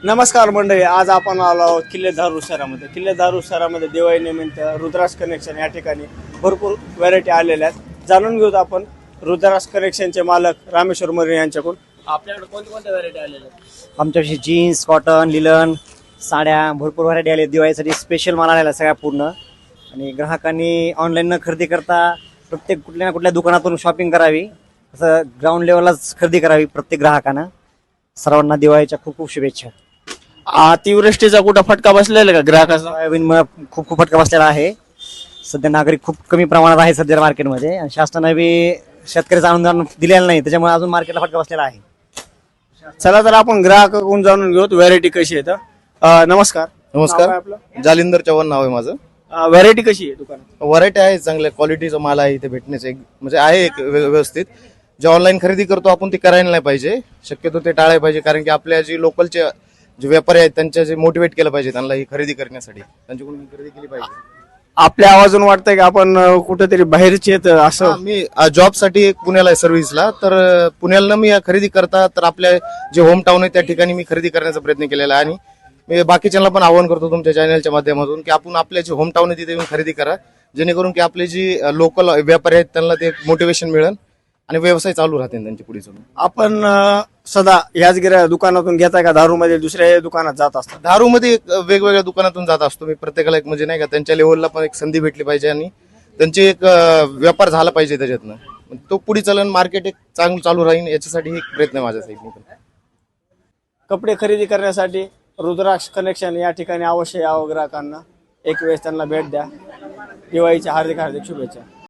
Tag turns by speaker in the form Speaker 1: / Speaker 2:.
Speaker 1: नमस्कार मंडळी, आज आपण आलो आहोत किल्ले धारूर शहरामध्ये. किल्ले धारूर शहरामध्ये दिवाळी निमित्त रुद्राक्ष कनेक्शन या ठिकाणी भरपूर व्हरायटी आलेल्या आहेत. जाणून घेऊत आपण रुद्राक्ष कनेक्शनचे मालक रामेश्वर मोरे यांच्याकडून. आपल्याकडे कोणत्या व्हरायटी आलेल्या आहेत?
Speaker 2: आमच्यापाशी जीन्स, कॉटन, लिलन, साड्या भरपूर व्हरायटी आल्या. दिवाळीसाठी स्पेशल माल आलेला सगळ्या पूर्ण. आणि ग्राहकांनी ऑनलाईन न खरेदी करता प्रत्येक कुठल्या ना कुठल्या दुकानातून शॉपिंग करावी, असं ग्राउंड लेवललाच खरेदी करावी प्रत्येक ग्राहकानं. सर्वांना दिवाळीच्या खूप खूप शुभेच्छा.
Speaker 1: अतिवृष्टीचा कुठं फटका बसलेला का ग्राहकाचा?
Speaker 2: सोयाबीन खूप खूप फटका बसलेला आहे. सध्या नागरिक खूप कमी प्रमाणात आहे सध्या मार्केटमध्ये, आणि शासनाने बी शेतकऱ्याचं अनुदान दिलेलं नाही, त्याच्यामुळे अजून मार्केटला फटका बसलेला आहे.
Speaker 1: चला तर आपण ग्राहकाकडून जाणून घेऊत व्हरायटी कशी आहे.
Speaker 3: नमस्कार.
Speaker 1: नाव काय आपलं?
Speaker 3: जालिंदर चव्हाण नाव आहे माझं.
Speaker 1: व्हरायटी कशी आहे दुकानात?
Speaker 3: व्हरायटी आहे, चांगल्या क्वालिटीचा माल आहे इथे भेटण्याचं. म्हणजे आहे एक व्यवस्थित. जे ऑनलाईन खरेदी करतो आपण ते करायला नाही पाहिजे, शक्यतो ते टाळायला पाहिजे. कारण की आपल्या जे लोकलचे जे व्यापारी आहेत त्यांच्या जे मोटिवेट केलं पाहिजे त्यांना ही खरेदी करण्यासाठी, त्यांच्याकडून खरेदी केली पाहिजे.
Speaker 1: आपल्या आवाजून वाटतंय की आपण कुठेतरी बाहेरचे आहेत असं.
Speaker 3: मी जॉबसाठी पुण्याला आहे सर्व्हिसला, तर पुण्याला मी खरेदी करता तर आपल्या जे होम टाउन आहे त्या ठिकाणी मी खरेदी करण्याचा प्रयत्न केलेला आहे. आणि मी बाकीच्यांना पण आवाहन करतो तुमच्या चॅनलच्या माध्यमातून की आपण आपल्या जे होम टाउन आहे तिथे येऊन खरेदी करा, जेणेकरून की आपले जी लोकल व्यापारी आहेत त्यांना ते मोटिवेशन मिळेल आणि व्यवसाय चालू राहतील त्यांची पुढे चालून.
Speaker 1: आपण सदा याच दुकानातून घेताय का दारूमध्ये दुसऱ्या दुकानात जात असतात?
Speaker 3: दारूमध्ये वेगवेगळ्या दुकानातून जात असतो मी. प्रत्येकाला एक म्हणजे नाही का त्यांच्या लेवलला पण एक संधी भेटली पाहिजे आणि त्यांचे एक व्यापार झाला पाहिजे त्याच्यातनं. तो पुढे चालून मार्केट एक चांगलं चालू राहील याच्यासाठी एक प्रयत्न आहे माझ्या साईडने.
Speaker 1: कपडे खरेदी करण्यासाठी रुद्राक्ष कनेक्शन या ठिकाणी अवश्य यावं ग्राहकांना. एक वेळेस त्यांना भेट द्या. दिवाळीच्या हार्दिक हार्दिक शुभेच्छा.